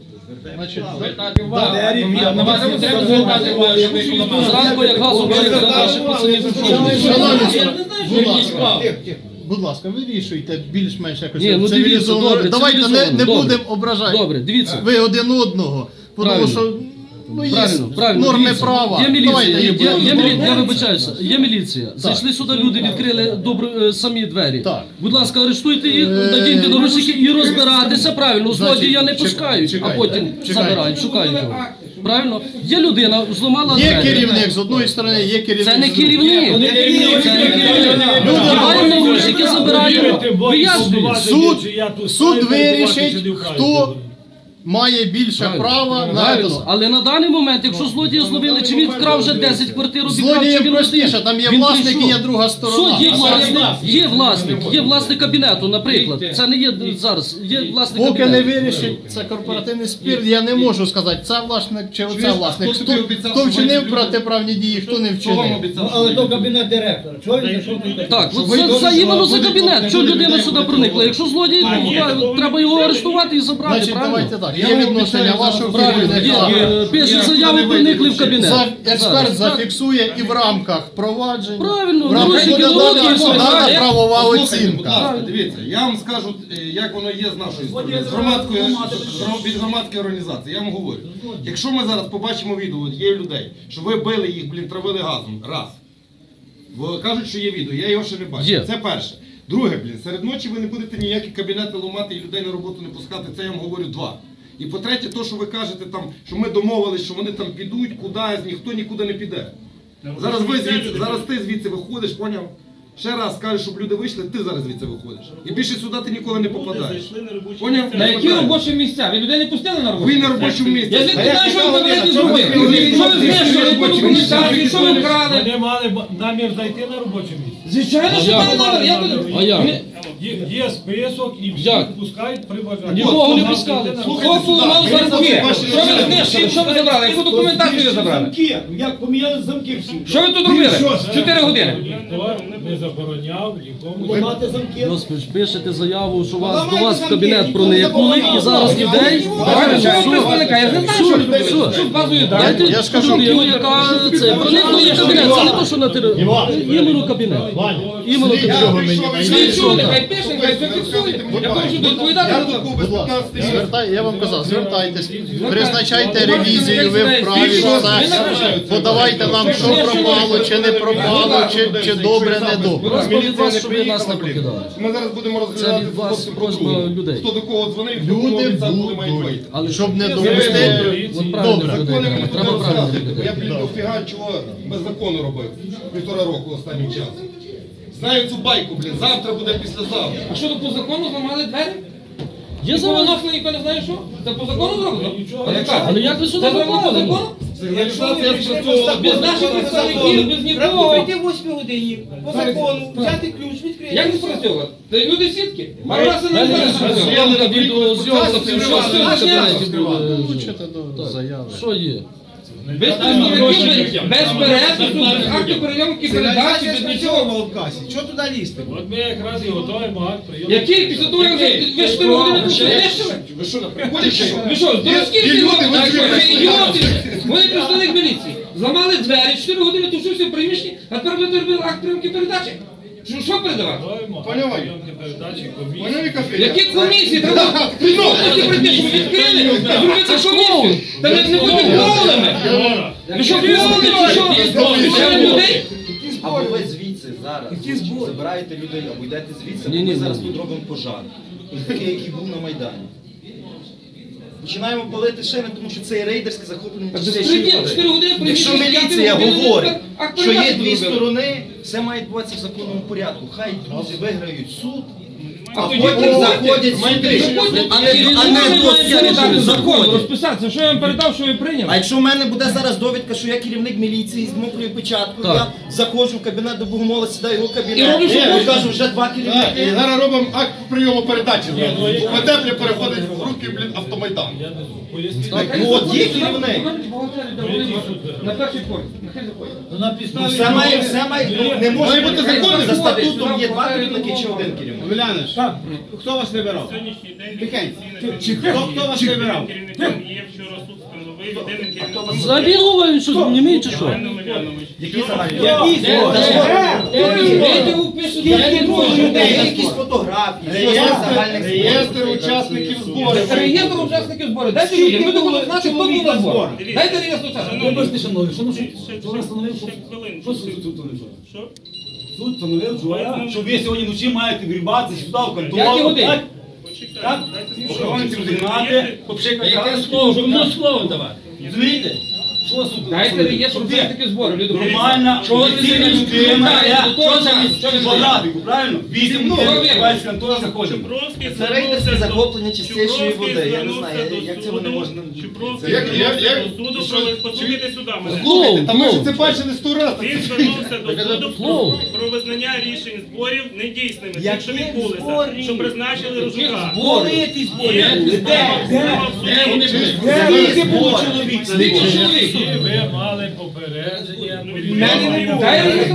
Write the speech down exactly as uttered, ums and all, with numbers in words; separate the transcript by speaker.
Speaker 1: Значить,
Speaker 2: звертати увагу. На вас не треба звертати увагу, що ви зранку, як газу варить за наших пацанів.
Speaker 1: будь ласка, будь ласка, вирішуйте більш-менш якось
Speaker 2: Ні, ну дивіться,
Speaker 1: цивілізовано.
Speaker 2: добре,
Speaker 1: Давайте не,
Speaker 2: цивілізовано,
Speaker 1: не
Speaker 2: добре.
Speaker 1: будемо ображати
Speaker 2: Добре, дивіться.
Speaker 1: ви один одного, тому
Speaker 2: Правильно.
Speaker 1: що ну, є
Speaker 2: Правильно, правильно.
Speaker 1: норми
Speaker 2: Дивіться,
Speaker 1: права.
Speaker 2: Є міліція,
Speaker 1: Давайте
Speaker 2: є,
Speaker 1: не
Speaker 2: є,
Speaker 1: будемо
Speaker 2: є міліція, я
Speaker 1: ображати.
Speaker 2: вибачаюся, є міліція. Зайшли сюди люди, відкрили добро, е, самі двері.
Speaker 1: Так.
Speaker 2: Будь ласка, арештуйте їх,
Speaker 1: Е,
Speaker 2: надіньте наручники і розбиратися правильно.
Speaker 1: Значить,
Speaker 2: Злодія не
Speaker 1: чекай,
Speaker 2: пускають, а
Speaker 1: чекайте,
Speaker 2: потім
Speaker 1: чекайте.
Speaker 2: забирають, шукають його. Правильно? Є людина, зламала
Speaker 1: Є
Speaker 2: двері.
Speaker 1: керівник з одної сторони, є керівник
Speaker 2: Це не
Speaker 1: з другої.
Speaker 2: керівник. Це не керівник. Вдіваємо наручники, забираємо. Вияснюємо.
Speaker 1: Суд, суд вирішить, хто має більше права на
Speaker 2: Правильно.
Speaker 1: це.
Speaker 2: Але на даний момент, якщо злодія зловили, чи він вкрав вже десять квартир, обікрав, чи
Speaker 1: Злодієм
Speaker 2: він
Speaker 1: простіше,
Speaker 2: один,
Speaker 1: там є
Speaker 2: він
Speaker 1: власник і
Speaker 2: прийшов.
Speaker 1: є друга сторона.
Speaker 2: Суд є власник, є власник, є власник кабінету, наприклад. Це не є зараз, є власник
Speaker 1: Поки не
Speaker 2: кабінету.
Speaker 1: вирішить це корпоративний спір, я не можу сказати, це власник чи оце власник. Хто, хто вчинив протиправні дії, хто не вчинив.
Speaker 3: Але то кабінет директора. Чого він зайшов?
Speaker 2: Так, от це, це іменно за кабінет. Чого людина сюди проникла? Якщо злодій, ну, треба його арештувати і забрати,
Speaker 1: Значить,
Speaker 2: правильно?
Speaker 1: давайте так. Є відношення вашого
Speaker 2: Правильно, є,
Speaker 1: керівника.
Speaker 2: є, пише заяву, проникли в кабінет.
Speaker 1: За- Експерт
Speaker 2: Зараз.
Speaker 1: зафіксує і в рамках провадження.
Speaker 2: Правильно,
Speaker 1: в рамках
Speaker 2: наручники,
Speaker 1: буде
Speaker 2: руки,
Speaker 1: дана-
Speaker 2: все,
Speaker 1: дана
Speaker 2: так.
Speaker 1: правова
Speaker 4: Послухайте, будь
Speaker 1: оцінка.
Speaker 4: ласка, дивіться, я вам скажу, е, як воно є з нашої сторони, з громадської, з- від громадської організації, я вам говорю. Якщо ми зараз побачимо відео, от є людей, що ви били їх, блін, травили газом, раз. Бо кажуть, що є відео, я його ще не бачив.
Speaker 2: Є.
Speaker 4: Це перше. Друге, блін, серед ночі ви не будете ніякі кабінети ламати і людей на роботу не пускати, це я вам говорю два. І по-третє, то, що ви кажете, там, що ми домовились, що вони там підуть кудись, ніхто нікуди не піде. Зараз ви звідси, зараз ти звідси виходиш, поняв? Ще раз скажеш, щоб люди вийшли, ти зараз звідси виходиш. І більше сюди ти ніколи не попадаєш. Поняв?
Speaker 5: На які робочі місця? Ви людей не пустили на роботу?
Speaker 4: Ви на робочому місці.
Speaker 5: Я звідки знаю, що ви кабінеті зробили? Що ви знищили, яку документацію, що ви вкрали?
Speaker 6: Вони мали б- намір зайти на робоче місце.
Speaker 5: Звичайно, що мали намір. Я буду...
Speaker 2: А як?
Speaker 6: Є, є список і всі
Speaker 2: Як?
Speaker 6: пускають при бажанні.
Speaker 2: Нікого не
Speaker 6: От,
Speaker 2: пускали.
Speaker 5: Хто поламав замки? Що ви знищили? Що ви забрали? Яку документацію ви забрали?
Speaker 3: Замки. Як поміняли замки всі.
Speaker 5: Що ви тут робили? Чотири години.
Speaker 6: Ніхто не забороняв нікому.
Speaker 3: Ламати замки.
Speaker 2: Господи, пишете заяву, що вас, до вас в кабінет проникли і зараз людей...
Speaker 5: Давайте, що ви представника? Я не знаю, що ви
Speaker 2: Що?
Speaker 5: робили. Що з базою даних?
Speaker 2: Дайте
Speaker 1: Я ж кажу,
Speaker 2: людину, яка це проникла в кабінет, це не то, що на території. Іменно кабінет. Іменно кабінет.
Speaker 5: Слідчого нехай пише, нехай все фіксує. Я можу відповідати на це.
Speaker 1: Будь ласка, звертай, я вам казав, звертайтесь, призначайте ревізію, ви вправі все. Подавайте нам, що пропало, чи не пропало, чи, чи добре, не добре.
Speaker 2: Просьба від вас, щоб ви нас не покидали.
Speaker 4: Ми зараз будемо
Speaker 2: Це
Speaker 4: розглядати
Speaker 2: від вас
Speaker 4: хлопців
Speaker 2: просьба
Speaker 4: по-другому.
Speaker 2: людей.
Speaker 4: Хто до кого дзвонив, хто кому
Speaker 1: Люди
Speaker 4: обіцяв, коли мають
Speaker 1: будуть,
Speaker 4: вийти.
Speaker 2: Але
Speaker 1: щоб не
Speaker 4: Ви
Speaker 1: допустити.
Speaker 4: вибрали.
Speaker 2: От правильно
Speaker 1: Добре.
Speaker 2: людей
Speaker 4: Закони
Speaker 2: треба,
Speaker 4: мені
Speaker 2: треба
Speaker 4: тут
Speaker 2: правильно
Speaker 4: розказувати.
Speaker 2: людей.
Speaker 4: Я, блін, дофіга чого без закону робив. Півтора року останнім часом. Знаю цю байку, блін, завтра буде післязавтра.
Speaker 5: А що, то по закону зламали двері?
Speaker 2: Є
Speaker 5: І
Speaker 2: зараз.
Speaker 5: повиносили, ніхто не знає що? Це по закону зроблено? А яка?
Speaker 2: Але як ви сюди
Speaker 5: Це зроблено по
Speaker 2: попали?
Speaker 5: закону?
Speaker 4: Сигналізація спрацьовувала
Speaker 5: Без наших представників, без
Speaker 7: Треба
Speaker 5: нікого.
Speaker 7: прийти в восьмій годині, по закону, взяти ключ, відкрити.
Speaker 5: Як не спрацьовувати? Та люди сітки. Пару разів не знаю, що спрацьовувати.
Speaker 2: Зйомка, відеозйомка, це що
Speaker 5: Що
Speaker 2: в
Speaker 5: це?
Speaker 2: інтернеті буде.
Speaker 1: Включите до заяви.
Speaker 2: Що є?
Speaker 5: Без представників, без перепису, без акту прийомки передачі, без нічого.
Speaker 7: в касі. Чого туди лізти?
Speaker 6: От ми якраз і готуємо акт прийому.
Speaker 5: Який після того, як ви ви чотири години тут знищили?
Speaker 4: Ви що, на приході чи що?
Speaker 5: Ви що, здоровські всі люди? Так що, ви ідіоти? Вони представник міліції. Зламали двері, чотири години тушився в приміщенні, а тепер ви робили акт прийомки передачі. Що, що передавати?
Speaker 6: Готуємо
Speaker 4: Поняла?
Speaker 6: акт прийомки передачі комісії.
Speaker 4: Поняв, яка фігня?
Speaker 5: Які комісії? Треба прийомки прийти, щоб ви відкрили, зробити комісію. Та не, не будьте клоунами. Ви що, клоуни чи що? Знищили людей?
Speaker 8: Або ви звідси зараз забираєте людей, або йдете звідси,
Speaker 2: Ні,
Speaker 8: або
Speaker 2: ні,
Speaker 8: ми зараз
Speaker 2: ні.
Speaker 8: тут робимо пожар. Такий, який був на Майдані. Починаємо палити шини, тому що це є рейдерське захоплення
Speaker 5: Так
Speaker 8: чотири
Speaker 5: безпреділ, чотири години
Speaker 8: Якщо
Speaker 5: приміщення,
Speaker 8: міліція
Speaker 5: п'яти годин,
Speaker 8: говорить,
Speaker 5: акт
Speaker 8: що є
Speaker 5: передачі
Speaker 8: дві
Speaker 5: зробили.
Speaker 8: сторони, все має відбуватися в законному порядку. Хай друзі виграють суд,
Speaker 5: А
Speaker 8: а
Speaker 5: тоді
Speaker 8: потім
Speaker 5: передати.
Speaker 8: заходять сюди. А не, а не до
Speaker 5: передати закон,
Speaker 8: заходять.
Speaker 5: розписатися, що я вам передав, що ви прийняли.
Speaker 8: А якщо в мене буде зараз довідка, що я керівник міліції з мокрою печаткою,
Speaker 2: Так.
Speaker 8: я заходжу в кабінет до Богомола, сідаю в його
Speaker 5: І
Speaker 8: кабінет,
Speaker 5: роблю, що
Speaker 8: я
Speaker 5: хочеш.
Speaker 8: кажу, вже два
Speaker 4: Так, і
Speaker 8: керівники.
Speaker 4: зараз робимо акт прийому передачі. У теплі переходить в руки Суки, блін, автомайдан.
Speaker 6: Я не знаю. Поясніть.
Speaker 8: Ну от є керівник.
Speaker 5: На перший поїзд, нехай заходять.
Speaker 3: Ну, на
Speaker 8: Ну,
Speaker 3: підставі...
Speaker 8: все має, все має, ну, не може
Speaker 4: Має бути
Speaker 8: бути
Speaker 4: законно.
Speaker 8: за статутом є два керівники чи один керівник.
Speaker 3: Уляна, так, хто вас вибирав?
Speaker 9: Сьогоднішній день
Speaker 3: Тихенько.
Speaker 9: офіційно
Speaker 3: Чи хто, хто вас вибирав?
Speaker 9: керівником є вчора суд встановив єдиним керівником
Speaker 2: Забігова він що, німий чи що?
Speaker 9: Іван Омелянович.
Speaker 8: Які загальні?
Speaker 3: Які
Speaker 5: Дайте упису, я не можу.
Speaker 8: Є якісь фотографії, є загальних
Speaker 4: Реєстр учасників зборів.
Speaker 5: Реєстр учасників зборів. Дайте людям, ми будемо знати, хто був на зборах.
Speaker 9: Дивіться.
Speaker 5: Дайте реєстр учасників.
Speaker 2: Вибачте, шановні, що ну
Speaker 9: Ще-
Speaker 2: що?
Speaker 9: ще-
Speaker 2: Що ви встановив, що?
Speaker 9: ще хвилинку.
Speaker 2: Що суд тут встановив?
Speaker 9: Що?
Speaker 2: Суд встановив,
Speaker 9: Визнав-
Speaker 10: Що ви сьогодні вночі маєте вірватися сюди в контору.
Speaker 5: Які години?
Speaker 10: так?
Speaker 9: Почекайте,
Speaker 10: Так?
Speaker 9: дайте
Speaker 10: Охоронці
Speaker 9: спокійно.
Speaker 10: розігнати, попшикати.
Speaker 2: Яке слово? Щоб воно слово давати.
Speaker 10: Розумієте? Що суд?
Speaker 5: Дайте реєстр учасників зборів. люди.
Speaker 10: Нормальна,
Speaker 5: Чого ви
Speaker 10: офіційна
Speaker 5: не
Speaker 10: людина,
Speaker 5: знаєте?
Speaker 10: я-
Speaker 5: До того
Speaker 10: що це
Speaker 5: часу, що ви
Speaker 10: по
Speaker 5: знаєте?
Speaker 10: графіку, правильно? Вісім
Speaker 5: Ну,
Speaker 10: годин,
Speaker 5: ви-
Speaker 10: відкривається контора, заходимо.
Speaker 9: Чупровський
Speaker 8: Це рейдерське
Speaker 9: звернувся до-
Speaker 8: захоплення чистішої
Speaker 9: Чупровський
Speaker 8: води. Я не
Speaker 9: звернувся
Speaker 8: знаю,
Speaker 9: до
Speaker 8: як це вони
Speaker 9: суду.
Speaker 8: можна-
Speaker 9: Чупровський
Speaker 4: Як- як-
Speaker 9: звернувся
Speaker 4: як-
Speaker 9: до суду,
Speaker 4: що-
Speaker 9: про послухайте сюди мене.
Speaker 4: Слухайте, та ми ж
Speaker 2: Клоун.
Speaker 4: це бачили сто разів.
Speaker 9: Він звернувся до суду
Speaker 2: Клоун.
Speaker 9: про, про визнання рішень зборів недійсними, тих,
Speaker 8: Які
Speaker 9: що відбулися,
Speaker 8: збори?
Speaker 9: що призначили Рожука.
Speaker 8: Збори?
Speaker 9: Є, справа- справа в суді.
Speaker 2: Де вони були?
Speaker 8: Скільки було чоловік?
Speaker 5: Скільки чоловік?
Speaker 6: Ви мали попередження.
Speaker 9: Ну, відповідно,
Speaker 5: Дай реєстр